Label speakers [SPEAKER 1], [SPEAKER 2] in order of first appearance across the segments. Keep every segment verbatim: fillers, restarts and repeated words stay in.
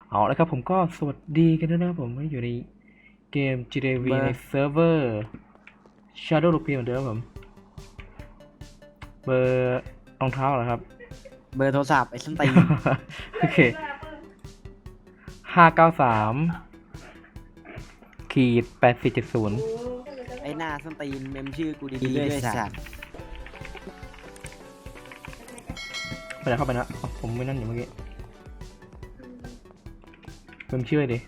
[SPEAKER 1] เอาแล้วครับผมก็สวัสดีกันด้วยนะครับผมอยู่ในเกม จี ที เอ วี
[SPEAKER 2] เบอร์
[SPEAKER 1] ในเซิร์ฟเวอร์ Shadow Loop เหมือนเดิมครับผมเบอร์รองเท้าเหรอครับ
[SPEAKER 2] เบอร์โทรศัพท์ไอ้ส้นตีน
[SPEAKER 1] โอเคห้าเก้าสามขีดแปดสี่เจ็ดศูนย์
[SPEAKER 2] ไอ้หน้าส้นตีนเมมชื่อกูดีๆด้วยสัตว์
[SPEAKER 1] ไปไหนเข้าไปนะอ๋อผมไม่นั่นอยู่เมื่อกี้เป็นชื่อดิ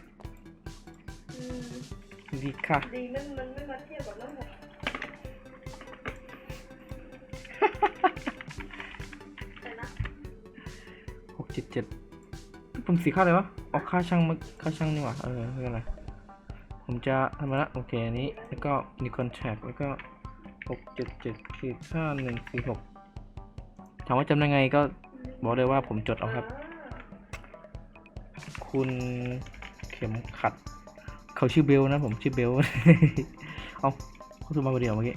[SPEAKER 1] ดีค่ะ
[SPEAKER 3] ดีมันมันไม่มาเทียบกับน้ำหนัก
[SPEAKER 1] หกเจ็ดเจ็ดผมสีค่าอะไรวะออกค่าช่างมาค่าช่างนี่หว่าเออไม่เป็นไรผมจะทำมาละโอเคอันนี้แล้วก็มีคอนแทคแล้วก็หกเจ็ดเจ็ดขีดห้าหนึ่งสี่หกถามว่าจำได้ไงก็บอกเลยว่าผมจดเอาครับ คุณเข็มขัดเขาชื่อเบลนะผมชื่อเบล เอาเขาโทรมาคนเดียวเมื่อกี้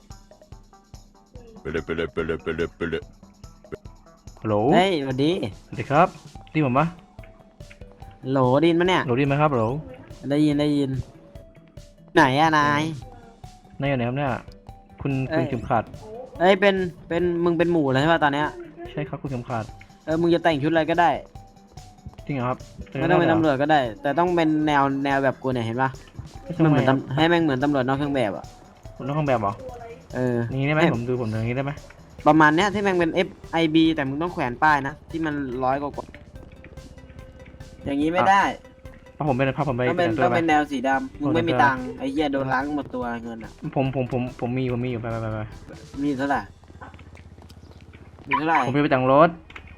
[SPEAKER 4] Pele pele pele pele pele.
[SPEAKER 1] ฮัลโหล
[SPEAKER 2] เฮ้ยสวัสดี
[SPEAKER 1] สวัสดีครับได้ผมปะ
[SPEAKER 2] โหลไดยินปะเนี่ย
[SPEAKER 1] โหลได้ไหมครับโหล
[SPEAKER 2] ได้ยินได้ยิน ไหนอะนาย
[SPEAKER 1] นายอยู่ไหนครับเนี่ยคุณ
[SPEAKER 2] เอ้
[SPEAKER 1] คุณ
[SPEAKER 2] ย
[SPEAKER 1] เข็มขัด
[SPEAKER 2] เอ้ยเป็นเป็นมึงเป็นหมูแล้วใช่ป่ะตอนเนี้ย
[SPEAKER 1] ใช่ครับคุณเข็มขัด
[SPEAKER 2] เออมึงจะแต่งชุดอะไรก็ได้
[SPEAKER 1] จริงเหรอครับ
[SPEAKER 2] ไม่ต้องเป็น
[SPEAKER 1] หร
[SPEAKER 2] ตำรวจก็ได้ แต่ต้องเป็นแนวแนวแบบกูเนี่ยเห็นปะ
[SPEAKER 1] ไม่
[SPEAKER 2] มัน
[SPEAKER 1] ทำ
[SPEAKER 2] เห
[SPEAKER 1] ไม
[SPEAKER 2] มือน
[SPEAKER 1] ครับ
[SPEAKER 2] ตำให้แม่งเหมือนตำรวจนอกเครื่องแบบอะ
[SPEAKER 1] คุณต้องห้องแบบเหรอ
[SPEAKER 2] เออ
[SPEAKER 1] อย่างนี้ได้ไหม
[SPEAKER 2] ให้
[SPEAKER 1] ผมดูผมดูอย่างนี้ได้ไหม
[SPEAKER 2] ประมาณเนี้ยที่แม่งเป็น F I B แต่มึงต้องแขวนป้ายนะที่มันร้อยกว่าๆอย่างนี้ไม่ได้
[SPEAKER 1] พาผมไปพาผมไป
[SPEAKER 2] ต้องเป็น
[SPEAKER 1] แต่งตัว
[SPEAKER 2] ต้อง
[SPEAKER 1] ไป
[SPEAKER 2] เป็นแนวสีดำมึงไม่มี
[SPEAKER 1] โอเค
[SPEAKER 2] ตังค์ไอ้เหี้ยโดนล้างหมดตัวเงินอ่ะ
[SPEAKER 1] ผมผมผมผมมีผมมีอยู่ไปไปไปไป
[SPEAKER 2] มีเท่าไหร่มีเท่าไหร่
[SPEAKER 1] ผมไปไปแต่งรถ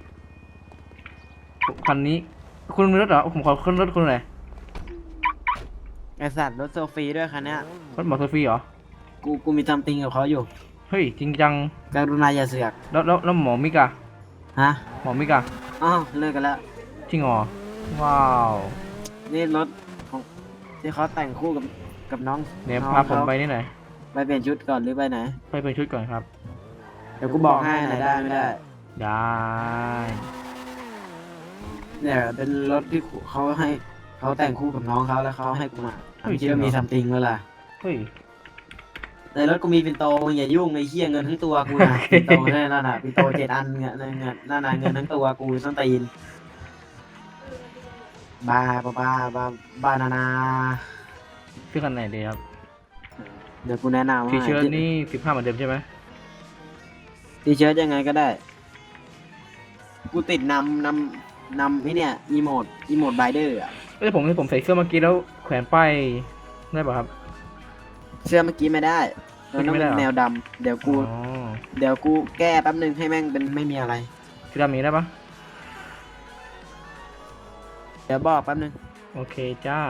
[SPEAKER 1] คันนี้ คุณมีรถเหรอผมขอขึ้นรถคุณหน่อย
[SPEAKER 2] ไอสัตว์รถโซฟีด้วยคันเนี้ย
[SPEAKER 1] รถมอเตอร์ฟรีเหรอ
[SPEAKER 2] กูกูมีทำติงกับเขาอยู่
[SPEAKER 1] เฮ้ยจริงจัง
[SPEAKER 2] กรุณาอย่าเสือก
[SPEAKER 1] แล้วแล้วแล้วหมอมิกอะ
[SPEAKER 2] ฮะ
[SPEAKER 1] หมอมิกอะ
[SPEAKER 2] อ๋อเลิกกันแล้ว
[SPEAKER 1] จริงเหรอว้าว
[SPEAKER 2] นี่รถของที่เขาแต่งคู่กับกับน้อง
[SPEAKER 1] เดี๋ยว
[SPEAKER 2] น้อง
[SPEAKER 1] พาผม
[SPEAKER 2] เข
[SPEAKER 1] ไปนี่หน่อย
[SPEAKER 2] ไปเปลี่ยนชุดก่อนหรือไปไหน
[SPEAKER 1] ไปเป็นชุดก่อนครับ
[SPEAKER 2] เดี๋ยวกูบอกให้ไหนได้ไม่ได้
[SPEAKER 1] ได้
[SPEAKER 2] เนี่ยเป็นรถที่เขาให้เขาแต่งคู่กับน้องเขาแล้วเขาให้กูมาคิดว่ามีทำติงเมื่อไหร่
[SPEAKER 1] เฮ้ย
[SPEAKER 2] ในรถกูมีปินโตมึงอย่ายุ่งไอ้เหี้ยเงินทั้งตัวกูนะ ปินโตนั่นน่ะปินโตเจ็ดอันเงี้ยนั่นน่ะนั่นน่ะเงินทั้งตัวกูส้นตีนบาบาบาบาบานานา
[SPEAKER 1] ชื่อคันไหนดีครับ
[SPEAKER 2] เดี๋ยวกูแนะนำว่า
[SPEAKER 1] ทีเชิ้ตนี่สิบห้าเหมือนเดิมใช่ไหม
[SPEAKER 2] ทีเชิ้ตยังไงก็ได้ กูติดนำนำนำไอ้เนี่ยอีโมดอีโมดไบเดอร์อะ
[SPEAKER 1] เอ้ยผมผมใส่เสื้อเมื่อกี้แล้วแขวนป้ายได้ป่ะครับ
[SPEAKER 2] เสื้อเมื่อกี้ไม่ได้มันต้อง
[SPEAKER 1] ไม่ได้
[SPEAKER 2] เป็น
[SPEAKER 1] เหรอ
[SPEAKER 2] แนวดำเดี๋ยวกู
[SPEAKER 1] อ๋อ
[SPEAKER 2] เดี๋ยวกูแก้แป๊บนึงให้แม่งเป็นไม่มีอะไร
[SPEAKER 1] คือดำนี้ได้ปะ
[SPEAKER 2] เดี๋ยวบอกแป๊บนึง
[SPEAKER 1] โอเคจ้า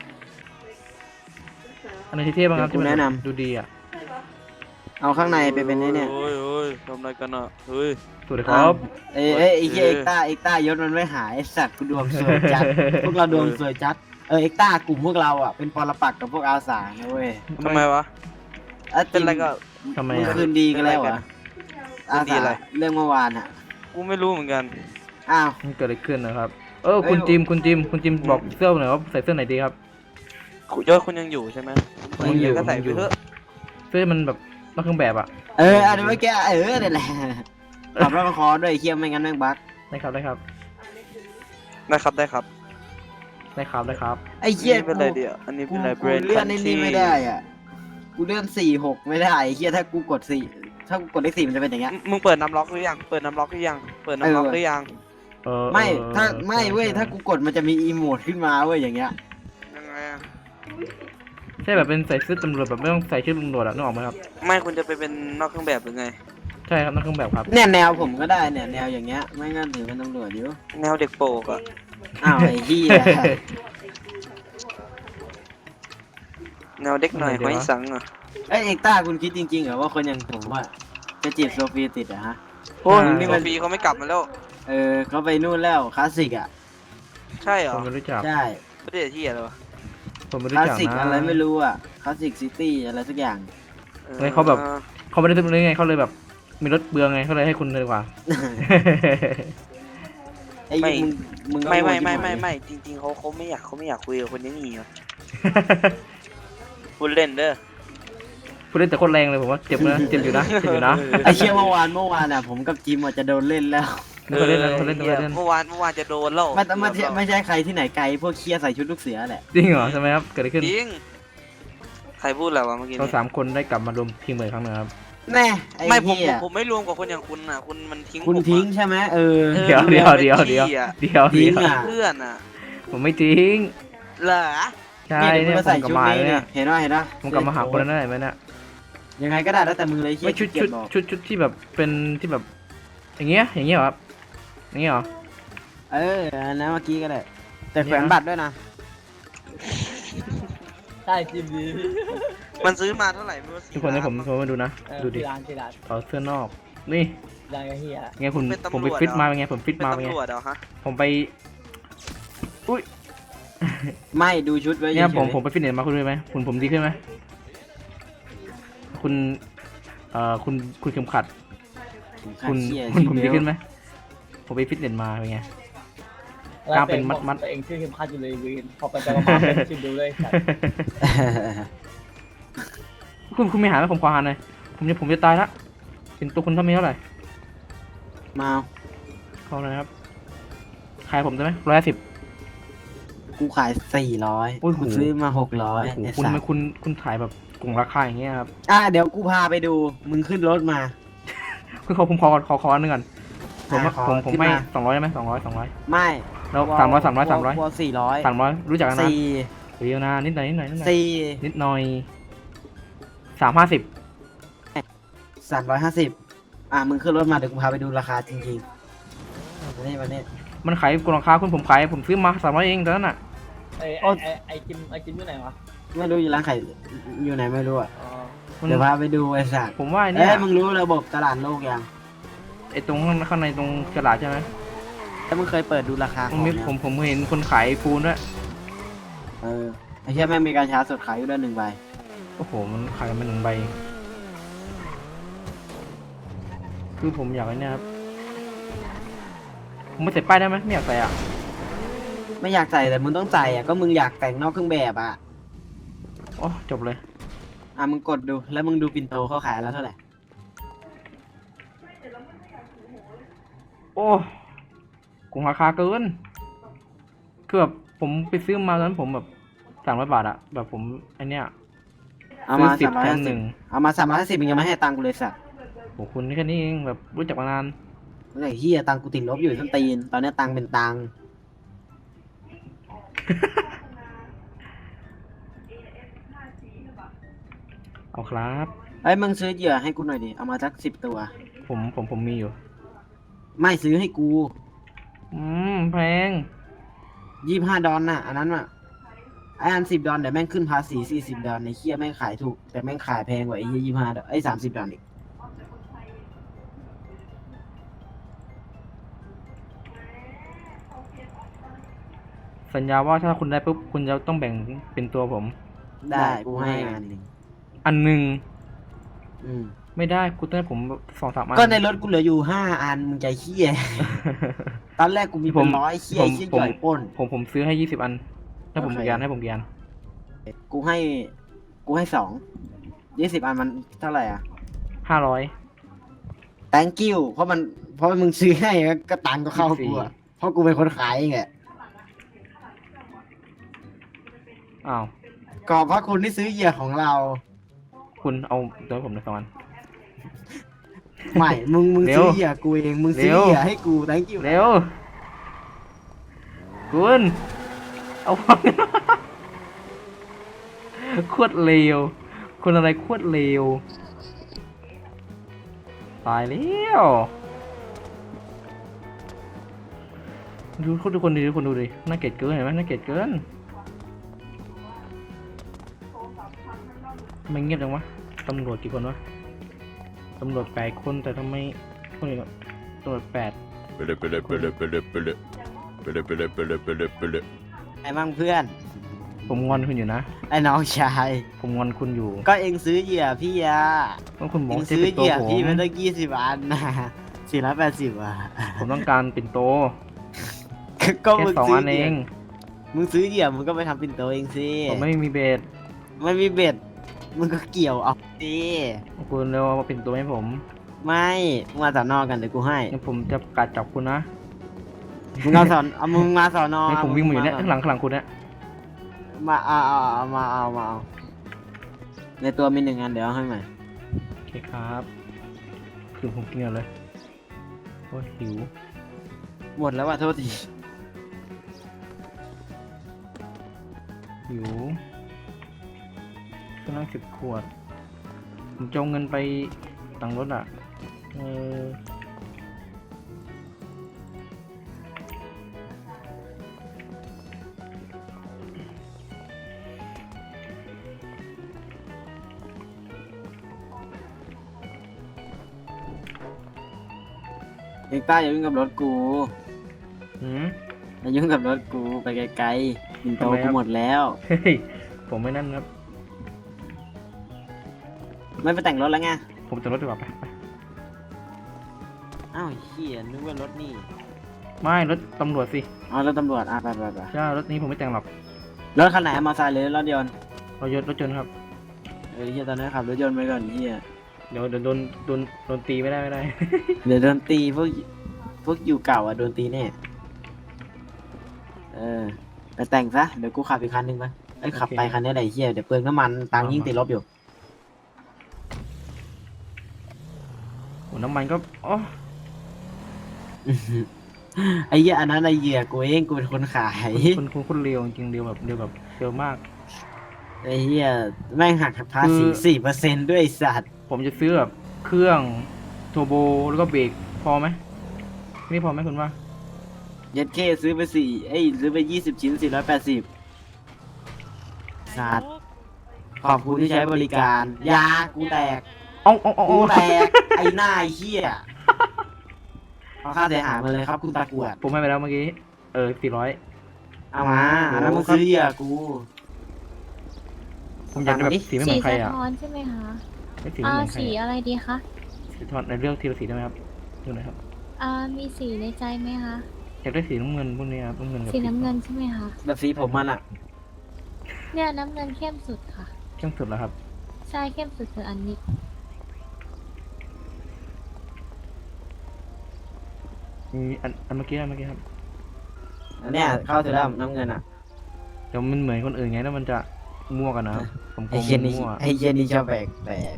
[SPEAKER 1] อันไหนที่เท่บ้างครับ
[SPEAKER 2] เดี๋ยวกูแนะนำ
[SPEAKER 1] ดูดีอ่ะ
[SPEAKER 2] เอาข้างในไปเป็นไอ้เนี่ย
[SPEAKER 5] เฮ้ยเฮ้ยทำอะไรกันอ่ะ เฮ้ย
[SPEAKER 1] สวัสดีครับ
[SPEAKER 2] เอ้ยเอ้ยไอ้เหี้ย
[SPEAKER 5] เออ
[SPEAKER 2] เอ็กต้าเอ็กต้ายศมันไม่หายไอ้สัตว์กูดวงสวยจัด พวกเราดวงสวยจัดเออเอ็กต้ากลุ่มพวกเราอ่ะเป็นปรปักษ์กับพวกอาสานะเว้ย
[SPEAKER 5] ทำไมวะ
[SPEAKER 2] อ่ะ
[SPEAKER 5] เป็นอะไรก็
[SPEAKER 1] ทำไม
[SPEAKER 2] เมื่อ
[SPEAKER 1] อ่ะ
[SPEAKER 2] คืนดีกันแล้วเหรอ่ะ
[SPEAKER 5] คื
[SPEAKER 2] อาน
[SPEAKER 5] ดี
[SPEAKER 2] สา
[SPEAKER 5] อะไร
[SPEAKER 2] เรื่องเมื่อวานอ่ะ
[SPEAKER 5] กูไม่รู้เหมือนกัน
[SPEAKER 2] อ้าว
[SPEAKER 1] มันเกิดอะไรขึ้นนะครับ เออ
[SPEAKER 2] เอ้ย
[SPEAKER 1] คุณจิมคุณจิมคุณจิมบอกเสื้อหน่อยว่าใส่เสื้อไหนดีครับ
[SPEAKER 5] ยอดคุณยังอยู่ใช่ไหม
[SPEAKER 1] ผมยังอยู่
[SPEAKER 5] ก็ใส่
[SPEAKER 1] ผมยังอยู่
[SPEAKER 5] ไปเถอะ
[SPEAKER 1] เสื้อมันแบบนอกเครื่องแบบอ่ะ
[SPEAKER 2] เอออันนี้ไม่แกเออนี่นแหละขับรถมาคอด้วยไอ้เคียไม่งั้นแม่งบั๊ก
[SPEAKER 1] ได้ครับได้ครับ
[SPEAKER 5] ได้ครับได้ครับ
[SPEAKER 1] ได้ครับได้ครับ
[SPEAKER 2] ไอ้เคีย
[SPEAKER 5] นี่เป็นอะไรเดียวอันนี้
[SPEAKER 2] กู
[SPEAKER 5] เป็นอะไร
[SPEAKER 2] กูเลื่อนไอ้นี่ไม่ได้อ่ะกูเลื่อนสี่หกไม่ได้ไอ้เคียถ้ากูกดสี่ถ้ากูกดเลขสี่มันจะเป็นอย่างเงี้ย
[SPEAKER 5] มึงเปิดน้ำล็อกหรือยัง เปิดน้ำล็อกหรือยัง เปิดน้ำล็อก
[SPEAKER 2] เออ
[SPEAKER 5] หรือยัง
[SPEAKER 1] เออ
[SPEAKER 2] ไม่
[SPEAKER 1] ออ
[SPEAKER 2] ถ้าไม่เว้ย
[SPEAKER 1] ใช่
[SPEAKER 2] ถ้ากูกดมันจะมีอีโมดขึ้นมาเว้ยอย่างเงี้ย
[SPEAKER 5] ยังไงอะ
[SPEAKER 1] ใช่แบบเป็นใส่เสื้อตำรวจแบบไม่ต้องใส่ชื่อตำรวจอะนึกออกไหมครับ
[SPEAKER 5] ไม่คุณจะไปเป็นนอกเครื่องแบบหรือไง
[SPEAKER 1] ใช่ครับนอกเครื่องแบบครับ
[SPEAKER 2] เนี่ยแนวผมก็ได้เนี่ยแนวอย่างเงี้ยไม่งั้นถือเป็นตำรวจอยู่
[SPEAKER 5] แนวเด็กโปกอะ
[SPEAKER 2] อ้าวไอ้เหี้ย
[SPEAKER 5] แนวเด็กหน่อย
[SPEAKER 1] อะไรดีวะ
[SPEAKER 2] Ờ.
[SPEAKER 5] ไว้สังอะ
[SPEAKER 2] เอ้ยเอ็กต้าคุณคิดจริงๆเหรอว่าคนอย่างผมว่าจะจีบโซฟีติดอะฮะ
[SPEAKER 5] โอ้ย
[SPEAKER 1] ใช่
[SPEAKER 5] นี่มันปีเขาไม่กลับมาแล้ว
[SPEAKER 2] เออเขาไปนู่นแล้วคลาสสิกอ่ะ
[SPEAKER 5] ใช่เหร
[SPEAKER 1] ผ
[SPEAKER 5] อ
[SPEAKER 1] มไม่รู้จัก
[SPEAKER 2] ใช่
[SPEAKER 5] ประเทศที่อะไรวะ
[SPEAKER 1] ผมไม่
[SPEAKER 2] ค
[SPEAKER 1] รู้
[SPEAKER 2] ลาส
[SPEAKER 1] จัก
[SPEAKER 2] สิก
[SPEAKER 1] นะ
[SPEAKER 2] อะไรไม่รู้อ่ะคลาสสิกซิตี้อะไรสักอย่าง
[SPEAKER 5] ออ
[SPEAKER 1] เฮ้ยเขาแบบ เขาไม่ได้ซื้อเลยไงเขาเลยแบบมีรถเบืองไงเขาเลยให้คุณเลยดีกว่า
[SPEAKER 2] อ้
[SPEAKER 5] ไม่
[SPEAKER 2] มึงมึงก็
[SPEAKER 5] ไม่ไม่
[SPEAKER 2] โง่
[SPEAKER 5] ไม่
[SPEAKER 2] ชิบหา
[SPEAKER 5] ไม่
[SPEAKER 2] ย
[SPEAKER 5] ไม่จริงๆเขาเขาไม่อยากเขาไม่อยากคุยกับคนอยังนี้ว่ะพูดเล่นเด้อ
[SPEAKER 1] พูดเล่นแต่โคตรแรงเลยผมว่าเจ็บนะเจ็บอยู่นะเจ็บอยู่นะ
[SPEAKER 2] ไอ้เชี่ยเมื่อวานเมื่อวานอ่ะผมกับจิมอาจจะโดนเล่นแล้ว
[SPEAKER 1] ไม่เคยเล่นนะไม่เคยเล่นไม่เคยเล่น
[SPEAKER 5] เมื่อวานเมื่อวานจะโดนแล้ว
[SPEAKER 2] ไม่ไม่ใช่ไม่ใช่ใครที่ไหนไกลพวกเคียใส่ชุดลูกเสือแหละ
[SPEAKER 1] จริงเหรอใช่ไหมครับเกิดอะไรขึ้น
[SPEAKER 5] จริงใครพูดอะไรวะเมื่อกี้
[SPEAKER 1] เรา
[SPEAKER 5] เนี่ย
[SPEAKER 1] สามคนได้กลับมารวมทีมเหมือนครั้งหนึงครับ
[SPEAKER 2] แน่ไอ้
[SPEAKER 5] ไม่ผม
[SPEAKER 2] เหี้
[SPEAKER 5] ผม
[SPEAKER 2] ย
[SPEAKER 5] ผมไม่รวมกับคนอย่างคุณอ่ะคุณมันทิ้ง
[SPEAKER 2] คุณ
[SPEAKER 5] ผมอะ
[SPEAKER 2] ทิ้งใช่ไหมเออ
[SPEAKER 5] เออ
[SPEAKER 1] เดี๋ยวเดี๋ยวเดี๋ยวเดี๋ยว
[SPEAKER 5] พี่อะ
[SPEAKER 1] เดี๋ยว
[SPEAKER 2] ทิ้
[SPEAKER 1] เดี๋
[SPEAKER 2] ง
[SPEAKER 1] ยว
[SPEAKER 2] อ่ะ
[SPEAKER 5] เพื่อนอ่ะ
[SPEAKER 1] ผมไม่ทิ้ง
[SPEAKER 5] เหรอ
[SPEAKER 1] ใช่
[SPEAKER 2] เนี่ย
[SPEAKER 1] เนี่ย
[SPEAKER 2] มึงก็
[SPEAKER 1] ผ
[SPEAKER 2] ใส่
[SPEAKER 1] มกลับ
[SPEAKER 2] ชุด
[SPEAKER 1] มา
[SPEAKER 2] นี้
[SPEAKER 1] แล้ว
[SPEAKER 2] เนี่
[SPEAKER 1] เนี่ย ย
[SPEAKER 2] เห็นว่าเห็นว่า
[SPEAKER 1] ผมกลับมาหาคนนั้นได้ไหมเนี่ย
[SPEAKER 2] ยังไงก็ได้แล้วแต่มึงเลยเหี้ย
[SPEAKER 1] ไม่ชุด
[SPEAKER 2] ขี้
[SPEAKER 1] ชุ
[SPEAKER 2] เกีย
[SPEAKER 1] ด
[SPEAKER 2] จบอก
[SPEAKER 1] ชุดชุดที่แบบเป็นที่แบบ อย่างเงี้ยอย่างเงี้ยเหรอครับอย่างเงี้ยเหรอ
[SPEAKER 2] เอออันนั้นเมื่อกี้ก็ได้แต่
[SPEAKER 1] เนี่ย
[SPEAKER 2] แขวนบัตรด้วยนะ
[SPEAKER 4] ใช่จิมดี
[SPEAKER 5] มันซื้อมาเท่าไหร่ไม่รู้
[SPEAKER 1] ทุกคนให้ผมผมมาดูนะ
[SPEAKER 4] เออ
[SPEAKER 1] ดูดิ
[SPEAKER 4] ที่ร้านที่ร้าน
[SPEAKER 1] ถอดเสื้อนอก นี่
[SPEAKER 4] ร้านกระเฮีย
[SPEAKER 1] ไงคุณผมไปฟิตมาเป็นไงผมฟิต
[SPEAKER 5] เป็น
[SPEAKER 1] มาเป็นไง
[SPEAKER 5] ตำรวจเหรอฮะ
[SPEAKER 1] ผมไป อุ้ย
[SPEAKER 2] ไม่ดูชุดไว้
[SPEAKER 1] เนี่ย
[SPEAKER 2] ฉๆ
[SPEAKER 1] ผมผมไปฟิตเนสมาคุณรู้ไหมคุณผมดีขึ้นไหมคุณเอ่อคุณคุณเข็มขัด คุณ
[SPEAKER 2] เหี้ย
[SPEAKER 1] คุณผม
[SPEAKER 2] ที่
[SPEAKER 1] ดี
[SPEAKER 2] เบล
[SPEAKER 1] ขึ้นไหมผมไปฟิตเนสมาเป็นไง กล้ามเป็นมัดๆ
[SPEAKER 4] ตัวเองชื่อเข้มขัดอยู่เลยวีนพอไปไปมาๆเป็นชื่อดูเลยสัตว์
[SPEAKER 1] คุณคุณไม่หาไหมผมขอหาหน่อยผมจะผมจะตายละเป็นตัวคุณเท่ามีเท่าไหร่
[SPEAKER 2] มา
[SPEAKER 1] เขาเลยครับขายผมได้ไหมร้อยสิบ
[SPEAKER 2] กูขายสี่ร้อย
[SPEAKER 1] โอ้ยโห
[SPEAKER 2] กูซื้อมาหกร้อย
[SPEAKER 1] โอ้โห
[SPEAKER 2] ไอ้
[SPEAKER 1] คุณ
[SPEAKER 2] สั
[SPEAKER 1] ทำไม
[SPEAKER 2] ส
[SPEAKER 1] คุณคุณขายแบบกลุ่มราคาอย่างเงี้ยครับ
[SPEAKER 2] อ่ะเดี๋ยวกูพาไปดูมึงขึ้นรถมา
[SPEAKER 1] คือเขาผมขอขอขออันหนึงก่อนผม
[SPEAKER 2] อ่ะขอ
[SPEAKER 1] ผมผม
[SPEAKER 2] ขึ้น
[SPEAKER 1] ไม่
[SPEAKER 2] มา
[SPEAKER 1] สองร้อยได้ไหมสองร้อยสองร้อย
[SPEAKER 2] ไม่
[SPEAKER 1] แล้วสามร้อยสามร้อยสามร้อย
[SPEAKER 2] วอสี่ร้อย
[SPEAKER 1] สามร้อยรู้จักกันนะ
[SPEAKER 2] สี่
[SPEAKER 1] เดียวนะนิดหน่อยนิดหน่อยนิดหน่อย
[SPEAKER 2] สี่
[SPEAKER 1] นิดหน่อยสามห้าสิบ
[SPEAKER 2] สามร้อยห้าสิบอ่ะมึงขึ้นรถมาเดี๋ยวกูพาไปดูราคาจริงๆวันนี้วันนี้
[SPEAKER 1] มันขายกลุ่มราคาคุณผมขายผมซื้อมาสามร้อยเองตอนนั้นอ่ะ
[SPEAKER 4] ไอ้
[SPEAKER 2] โอ้
[SPEAKER 4] ไอ้ไอ้ไอ้จิมไอ้จิมอยู่ไหนวะ
[SPEAKER 2] ไม่รู้อยู่ร้านขายอยู่ไหนไม่รู้อ่ะ
[SPEAKER 4] อ๋อ
[SPEAKER 1] มัน
[SPEAKER 2] เดี๋ยวพาไปดูไอ้สัส
[SPEAKER 1] ผมว่าไอ้
[SPEAKER 2] เอ้
[SPEAKER 1] เนี่ย
[SPEAKER 2] ยมึงรู้ระบบตลาดโลกยัง
[SPEAKER 1] ไอ้ตรงข้างข้างในตรงกระดาษใช่ไหม
[SPEAKER 2] แล้วมึงเคยเปิดดูราคาข
[SPEAKER 1] ผ
[SPEAKER 2] อ
[SPEAKER 1] ม
[SPEAKER 2] ง
[SPEAKER 1] มี
[SPEAKER 2] ยัง
[SPEAKER 1] ผมผมเห็นคนขายปูนด้วย
[SPEAKER 2] เออไอ้เชี่ยแม่งมีการชาร์จสดขายอยู่ด้วยหนึ่งใบ
[SPEAKER 1] โอ้โหมันขายกันเป็นหนึ่งใบคือผมอยากไอ้เนี่ยครับผมไม่ใส่ป้ายได้ไหมไม่อยากใส่อ่ะ
[SPEAKER 2] ไม่อยากใส่แต่มึงต้องใส่อ่ะก็มึงอยากแต่งนอกเครื่องแบบอ่ะ
[SPEAKER 1] โอ้จบเลย
[SPEAKER 2] อ่ะมึงกดดูแล้วมึงดูปินโตเขาขายแล้วเท่าไหร่
[SPEAKER 1] โอ้กงราคาเกินคือแบบผมไปซื้อมาตอนนั้นผมแบบสามร้อยบาทอะแบบผมไอเนี้ย
[SPEAKER 2] เอา
[SPEAKER 1] ซื้อ
[SPEAKER 2] มา
[SPEAKER 1] สิบ
[SPEAKER 2] สามร้อย
[SPEAKER 1] แถม
[SPEAKER 2] ห้า
[SPEAKER 1] ห
[SPEAKER 2] สิบ
[SPEAKER 1] นึ่ง
[SPEAKER 2] เอามาสามร้อยห้าสิบมึงยังไม่ให้ตังค์กูเลยสัตว์
[SPEAKER 1] โอ้คุณนี่แค่นี้เองแบบรู้จักมานาน
[SPEAKER 2] เมื่อไหร่เฮียตังค์กูติดลบอยู่ทั้งตีนตอนนี้ตังค์เป็นตังค์
[SPEAKER 1] เอาครับ
[SPEAKER 2] ไอ้ยมึงซื้อเหยื่อให้กูหน่อยดิเอามาสักสิบตัว
[SPEAKER 1] ผมผมผมมีอยู่
[SPEAKER 2] ไม่ซื้อให้กู
[SPEAKER 1] อืมแพง
[SPEAKER 2] ยี่สิบห้าดอลน่ะอันนั้นอ่ะไอ้อันสิบดอลเดี๋ยวแม่งขึ้นภาษีสี่สิบดอลในเฮียแม่งขายถูกแต่แม่งขายแพงกว่าไอ้เฮียยี่สิบห้าดอลไอ้สามสิบดอลอีก
[SPEAKER 1] สัญญาว่าถ้าคุณได้ปุ๊บคุณจะต้องแบ่งเป็นตัวผม
[SPEAKER 2] ได้กูให้งานหนึ่ง
[SPEAKER 1] อันหนึ่ง
[SPEAKER 2] อืม
[SPEAKER 1] ไม่ได้กูต้องให้ผมสองสามอัน
[SPEAKER 2] ก็ในรถกูเหลืออยู่ห้าอันมึงใจเฮีย ตอนแรกกูมี
[SPEAKER 1] ผ
[SPEAKER 2] เป็น
[SPEAKER 1] ม
[SPEAKER 2] ร้อยเฮีย
[SPEAKER 1] ผม
[SPEAKER 2] เฮีย
[SPEAKER 1] ผม
[SPEAKER 2] จ่อยปล้น
[SPEAKER 1] ผมผมซื้อให้ยี่สิบอันให้ผม
[SPEAKER 2] โอเค
[SPEAKER 1] กี่อันให้ผมกี่อัน
[SPEAKER 2] กูให้ กูให้สองยี่สิบอันมันเท่าไหร่อ่ะ
[SPEAKER 1] ห้าร้อย
[SPEAKER 2] thank you เพราะมันเพราะมึงซื้อให้ก็ตังค์ก็เข้ากูอ่ะเพราะกูเป็นคนขายเองแหละ
[SPEAKER 1] อ้าว
[SPEAKER 2] ก็เพราะคุณที่ซื้อเหยื่อของเรา
[SPEAKER 1] คุณเอาตัวให้ผมหน่อยสองอัน
[SPEAKER 2] ไม่ มึงมึง
[SPEAKER 1] เร็ว
[SPEAKER 2] ซื้อเหยื่อกูเอง มึงซื้อ
[SPEAKER 1] เร็ว
[SPEAKER 2] เหยื่อให้กู thank you
[SPEAKER 1] เร็วคุณเอาฟัง โคตรเลวคนอะไรโคตรเลวตายแล้วดูทุกคนดูทุกคนดูดิน่าเกลียดเกินเห็นไหมน่าเกลียดเกินทำไมเงียบจังวะตำรวจกี่คนวะตำรวจแปดคนแต่ทำไมคนอื่นตำรวจแปด
[SPEAKER 6] Pele pele pele pele pele pele pele pele pele pele
[SPEAKER 2] ไอ้มั่งเพื่อน
[SPEAKER 1] ผมงอนคุณอยู่นะ
[SPEAKER 2] ไอ้น้องชาย
[SPEAKER 1] ผมงอนคุณอยู่
[SPEAKER 2] ก็เองซื้อเหยื่อพี่อะ
[SPEAKER 1] ต้องคุณบ
[SPEAKER 2] เอ
[SPEAKER 1] อก
[SPEAKER 2] ง
[SPEAKER 1] ว่าจะ
[SPEAKER 2] ซื้อ
[SPEAKER 1] เป็น
[SPEAKER 2] เห
[SPEAKER 1] ตัว
[SPEAKER 2] ยื่อ
[SPEAKER 1] ผม
[SPEAKER 2] พี่มันต้องยี่สิบอันนะสี่ร้อยแปดสิบอ่ะ
[SPEAKER 1] ผมต้องการเป็นโต
[SPEAKER 2] ก็
[SPEAKER 1] แค่
[SPEAKER 2] มึง
[SPEAKER 1] สอง
[SPEAKER 2] ซื้อ
[SPEAKER 1] อัน
[SPEAKER 2] เห
[SPEAKER 1] เอ
[SPEAKER 2] ยื่อ
[SPEAKER 1] ง
[SPEAKER 2] มึงซื้อเหยื่อมึงก็ไปทำปิ่นโตเองสิ
[SPEAKER 1] ผมไม่มีเบส
[SPEAKER 2] ไม่มีเบ็ดมึงก็เกี่ยวเอาสิ
[SPEAKER 1] คุณเร็วเอาปิ่นตัวให้ผม
[SPEAKER 2] ไม่มึงมาสอนอกันเดี๋ยวกูให้
[SPEAKER 1] งั้นผมจะกัดจับคุณนะ
[SPEAKER 2] มึงเอาสอนเอามึงมาสอนอ
[SPEAKER 1] ให้ผมวิ่งมาอยู่เนี่ยข้างหลังข้างหลังคุณเนี่ย
[SPEAKER 2] มาเอาเอาเอามาเอามาเอาในตัวมีหนึ่งอันเดี๋ยวเอาให้ใหม่
[SPEAKER 1] โอเคครับคือผมกินก่อนเลยโอ้ยหิว
[SPEAKER 2] หมดแล้วว่ะโทษที
[SPEAKER 1] หิวก็นั่งสิบขวด ผมจะเอาเงินไปตังค์รถอ่ะ เออ
[SPEAKER 2] เอกต้าอย่ายุ่งกับรถกู
[SPEAKER 1] หืม
[SPEAKER 2] อย่ายุ่งกับรถกูไปไกลๆปิ่นโต
[SPEAKER 1] ทำไมครั
[SPEAKER 2] กู
[SPEAKER 1] บ
[SPEAKER 2] หมดแล้ว
[SPEAKER 1] เฮ้ย ผมไม่นั่นครับ
[SPEAKER 2] ไม่ไปแต่งรถแล้วไง
[SPEAKER 1] ผมจะรถดีกว่าไปไป
[SPEAKER 2] อ้าวเฮียนึกว่ารถนี่
[SPEAKER 1] ไม่รถตำรวจสิ
[SPEAKER 2] อ๋อรถตำรวจอ่ะไปไปไป
[SPEAKER 1] ใช่รถนี้ผมไม่แต่งหรอก
[SPEAKER 2] รถคันไหนมอเตอร์ไซค์หรือรถยนต์
[SPEAKER 1] รถยนต์รถยนต์ครับ
[SPEAKER 2] เออเฮียตอนนี้ขับรถยนต์ไปก่อนเฮีย
[SPEAKER 1] เดี๋ยวเดี๋ยวโดนโดนโดนตีไม่ได้ไม่ได้
[SPEAKER 2] เดี๋ยวโดนตีพวกพวกอยู่เก่าอ่ะโดนตีแน่เออไปแต่งซะเดี๋ยวกูขับอีกคันหนึงไปไอ้ยขับไปคันนี้ไหนเฮียเดี๋ยวเปลืองน้ำมันตังค์ยิ่งติดลบอยู่
[SPEAKER 1] โอ้น้ำมันก็อ๋อ
[SPEAKER 2] ไอ้เหี้ยอันนั้นไอ้เหยื่อกูเองกูเป็นคนขาย
[SPEAKER 1] คุณคุณคุณเร็วจริงๆเร็วแบบเร็วแบบเร็วมาก
[SPEAKER 2] ไอ้เหี้ยแม่งหักภาษี
[SPEAKER 1] คือ
[SPEAKER 2] สี่เปอร์เซ็นต์ด้วยไอ้สัตว์
[SPEAKER 1] ผมจะซื้อแบบเครื่องโทโบแล้วก็เบรกพอไหมนี่พอไหมคุณว่า
[SPEAKER 2] เย็ดเคซื้อไปสี่เอ้ยซื้อไปยี่สิบชิ้นสี่ร้อยแปดสิบสัตว์ขอบคุณที่ใช้บริการยากูแตก
[SPEAKER 1] เอาเอาเอา
[SPEAKER 2] กู
[SPEAKER 1] เอา
[SPEAKER 2] แตกไอ้หน้าไอ้เหี้ยเอาค่าเสียหายมาเลยครับคุณตะกรวด
[SPEAKER 1] ผมให้ไปแล้วเมื่อกี้ เออสี่ร้อย
[SPEAKER 2] เอามาอันนั้นมึงซื้อเหยื่อกู
[SPEAKER 1] ผมอยากได้แบบสีไม่เหมื
[SPEAKER 7] สี
[SPEAKER 1] อนใคร
[SPEAKER 7] สะ
[SPEAKER 1] อ่ะ
[SPEAKER 7] ท้อนใช่ไหมคะ
[SPEAKER 1] ไม่สีไม่
[SPEAKER 7] อ่า
[SPEAKER 1] เหมือนใคร
[SPEAKER 7] สี
[SPEAKER 1] อะ
[SPEAKER 7] อะไรดีคะ
[SPEAKER 1] สีทอดในเรื่องทีละสีได้ไหมครับดูหน่อยครับ
[SPEAKER 7] อ่ามีสีในใจไหมคะ
[SPEAKER 1] อยากได้สีน้ำเงินพวกนี้ครับน้ำเงินกับ
[SPEAKER 7] สีน้ำเงินใช่ไหมคะ
[SPEAKER 2] แบบสีผมมันอ่ะ
[SPEAKER 7] เนี่ยน้ำเงินเข้มสุดค่ะ
[SPEAKER 1] เข้มสุดแล้วครับ
[SPEAKER 7] ใช่เข้มสุดคืออันนี้
[SPEAKER 1] มีอันอันเมื่อกี้อันเมื่อกี้ครับ
[SPEAKER 2] อันเนี้ยเข้าถึงแล้วน้ำเงินอ่ะ
[SPEAKER 1] เดี๋ยวมันเหมือนคนอื่นไงแล้วมันจะมั่วกันนะครับผมกลั
[SPEAKER 2] ไอ้
[SPEAKER 1] ว
[SPEAKER 2] เหี้ย
[SPEAKER 1] มัน
[SPEAKER 2] นี่
[SPEAKER 1] มั่ว
[SPEAKER 2] ไอ้เหี้ยนี่ชอบแบกแบก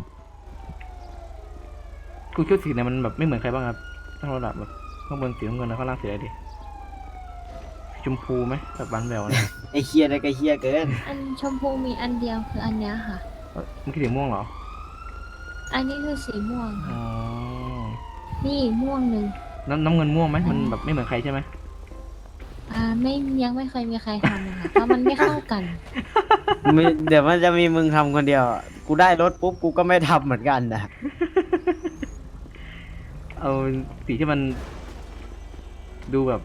[SPEAKER 1] คุณชุดสีไหนมันแบบไม่เหมือนใครบ้างครับถ้าเราแบบข้างบนสีน้ำเงินแล้วข้างล่างสีอะไรดีสีชมพูไหมแบบบานแหววนะ
[SPEAKER 2] ไอ้เหี้ยได้ก็เหี้ยเกิน
[SPEAKER 7] อันชมพูมีอันเดียวคืออันเนี้ยค่ะ
[SPEAKER 1] เอ้ยเมื่อกี้สีม่วงเหรอ
[SPEAKER 7] อันนี้คือสีม่วง
[SPEAKER 1] อ๋
[SPEAKER 7] ค่ะ
[SPEAKER 1] อ
[SPEAKER 7] นี่ม่วงหนึ่ง
[SPEAKER 1] น้ำน้ำเงินม่วงไหมมันแบบไม่เหมือนใครใช่ไหม
[SPEAKER 7] อ่าไม่ยังไม่เคยมีใครทำเลยค่ะเพราะมันไม่เข้ากัน
[SPEAKER 2] มีเดี๋ยวมันจะมีมึงทำคนเดียวอะกูได้รถปุ๊บกูก็ไม่ทำเหมือนกันนะ
[SPEAKER 1] เอาสีที่มัน ดูแบบ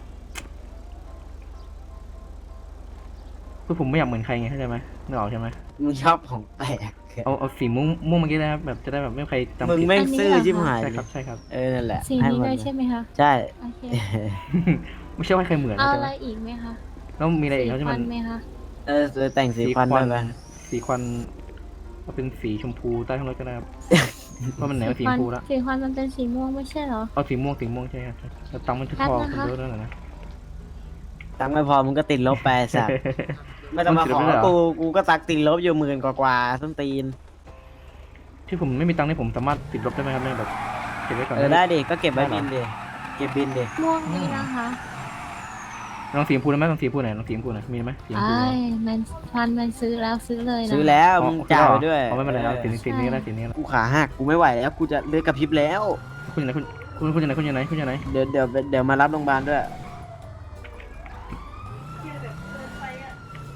[SPEAKER 1] คือผมไม่อยากเหมือนใครไงเข้าใจไหมนึกออกใช่ไหม
[SPEAKER 2] มึงชอบของแปลก
[SPEAKER 1] เอาเอาสีม่วงม่วงเมื่อกี้นะครับแบบจะได้แบบไม่มีใครจำ
[SPEAKER 2] มึง
[SPEAKER 1] ผิด
[SPEAKER 2] แม่งซื่อ
[SPEAKER 7] อันนี้เหรอคะ
[SPEAKER 2] ชิบหาย
[SPEAKER 1] ใช่ครับใช่ครับ
[SPEAKER 2] เออนั่นแหละ
[SPEAKER 7] สี
[SPEAKER 2] ให้
[SPEAKER 7] นี้
[SPEAKER 2] มัน
[SPEAKER 7] ด้วยใช่ไหมคะ
[SPEAKER 2] ใช่
[SPEAKER 7] โอเค
[SPEAKER 1] ไม่ใช่ว่าใครเหมือน
[SPEAKER 7] เอา
[SPEAKER 1] ใช่
[SPEAKER 7] อะ
[SPEAKER 1] ไห
[SPEAKER 7] ไร
[SPEAKER 1] ม
[SPEAKER 7] อีกไหมคะ
[SPEAKER 1] แล้วมีอะไรอีกครับ
[SPEAKER 7] สี
[SPEAKER 1] ที่
[SPEAKER 7] ควั
[SPEAKER 1] มัน น
[SPEAKER 7] ไหมคะ
[SPEAKER 2] เออจะแต่งสีควันด้วยไหม
[SPEAKER 1] สีควันเอาเป็นสีชมพูใต้ท้องรถก็ได้ครับ ว่ามันไหนว่าสีชมพูละ
[SPEAKER 7] สีควันมันเป็นสีม่วงไม่ใช่เหรอ
[SPEAKER 1] เอาสีม่วงสีม่วงใช่ครับแล้วตังค์มันจะ
[SPEAKER 7] แป๊บ
[SPEAKER 1] พอ
[SPEAKER 7] นะคะ
[SPEAKER 1] คุณเยอะแล้วนะ
[SPEAKER 2] ตังค์ไม่พอมึงก็ติดลบไปสัตว์ไม่ต้องมาขอกูกูก็ตักติดลบอยู่หมื่นกว่าๆส้นตีน
[SPEAKER 1] ที่ผมไม่มีตังค์นี่ผมสามารถติดลบได้ไหมครับเนี่ยแบบเก็บไว้ก่อน
[SPEAKER 2] เออได้ดิก็เก็บไว้บินดิเก็บบินดิ
[SPEAKER 7] ม่วงนี่นะคะ
[SPEAKER 1] ลองสีชมพูได้ไหมลองสีชมพูไหนอยลองสีชมพูหน่อยมีไหมสีชมพู
[SPEAKER 7] ไอ้ยมันฟันมันซื้อแล้วซื้อเลยนะ
[SPEAKER 2] ซื้อแล้วมึงจ่ายไปด้วย
[SPEAKER 1] เอาไม่เป็นไรเอาสีนี้
[SPEAKER 7] ใช่
[SPEAKER 1] สีนี้ก็ได้สีนี้ก็ได้
[SPEAKER 2] กูขาหักกูไม่ไหวแล้วกูจะเลือดกระพริบแล้ว
[SPEAKER 1] คุณอยู่ไหนคุณคุณคุณอยู่ไหนคุณอยู่ไหนคุณอยู่ไหน
[SPEAKER 2] เดี๋ยวเดี๋ยวเดี๋ยวมารับโรงพยาบาลด้วย
[SPEAKER 3] ที่แบบเกินไปอ่ะ